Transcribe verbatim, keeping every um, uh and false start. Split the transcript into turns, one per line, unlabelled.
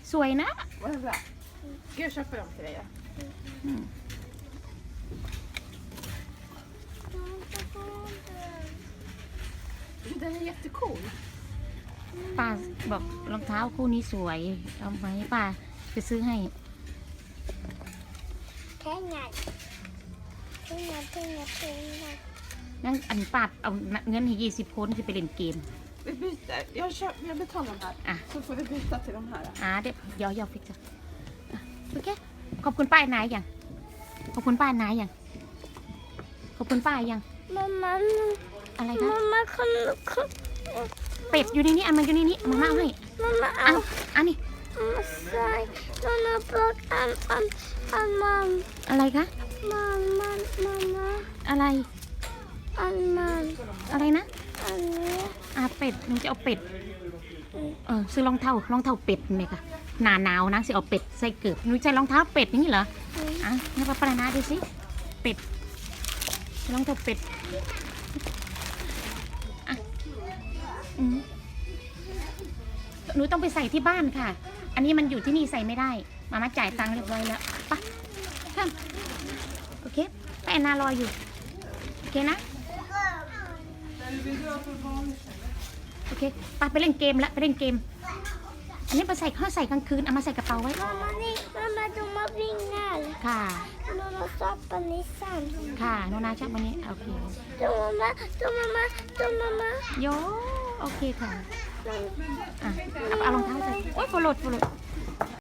สวยนะ
Vad är det där? Ska jag köpa dem till dig?
Mm.
Den är jättecool.
ป้าบอกรองเท้าคู่นี้สวยเอาไหมป้าจะซื้อให้
Pengar. Pengar, pengar, pengar.
งั้นอันป้าเอาเงินให้ยี่สิบคนจะไปเล่นเกม
Vi byter. Jag, köp, jag betalar de här.
Ah.
Så får vi byta till de här.
อ่าเดี๋ยวเดี๋ยวเดี๋ยวฟิกจ้ะอ่ะโอเคขอบคุณป้ายนายยังขอบคุณป้ายนายยังขอบคุณป้ายยัง
Mamma,
อะไรคะ
mamma kan kan
เป็ดอยู่ในนี้อันมันอยู่ในนี้เอามาเอาให้
mamma
เอา
an
อันนี้
mamma säg Donna bak an an an man
อะไรคะ
man man mamma
อะไร
an man
อะไรนะ
anนี้
อ่าเป็ดหนูจะเอาเป็ดเออซื้อรองเท้ารองเท้าเป็ดไหมคะหนาหนาวนะสิเอาเป็ดใส่เกือบหนูใส่รองเท้าเป็ดอย่างนี้เหรออ่ะให้ป้าปรานาดูสิเป็ดรองเท้าเป็ดอ่ะอืมหนูต้องไปใส่ที่บ้านค่ะ อันนี้มันอยู่ที่นี่ใส่ไม่ได้มามาจ่ายตังค์เรียบร้อยแล้วไปข้ามโอเคไปแอนนารออยู่โอเคนะโอเคไปไปเล่นเกมแล้วไปเล่นเกมอันนี้ไปใส่ข้าวใส่กลางคืนเอามาใส่กระเป๋าไว้
mamma ni mamma de har vingar
ค่ะ
mamma stoppar Nissan
ค่ะโนนาชอบวันนี้โอเค
de mamma de mamma de mamma
โยโอเคค่ะอ่ะเอาเอารองเท้าใส่โอ๊ยโฟลดโฟลด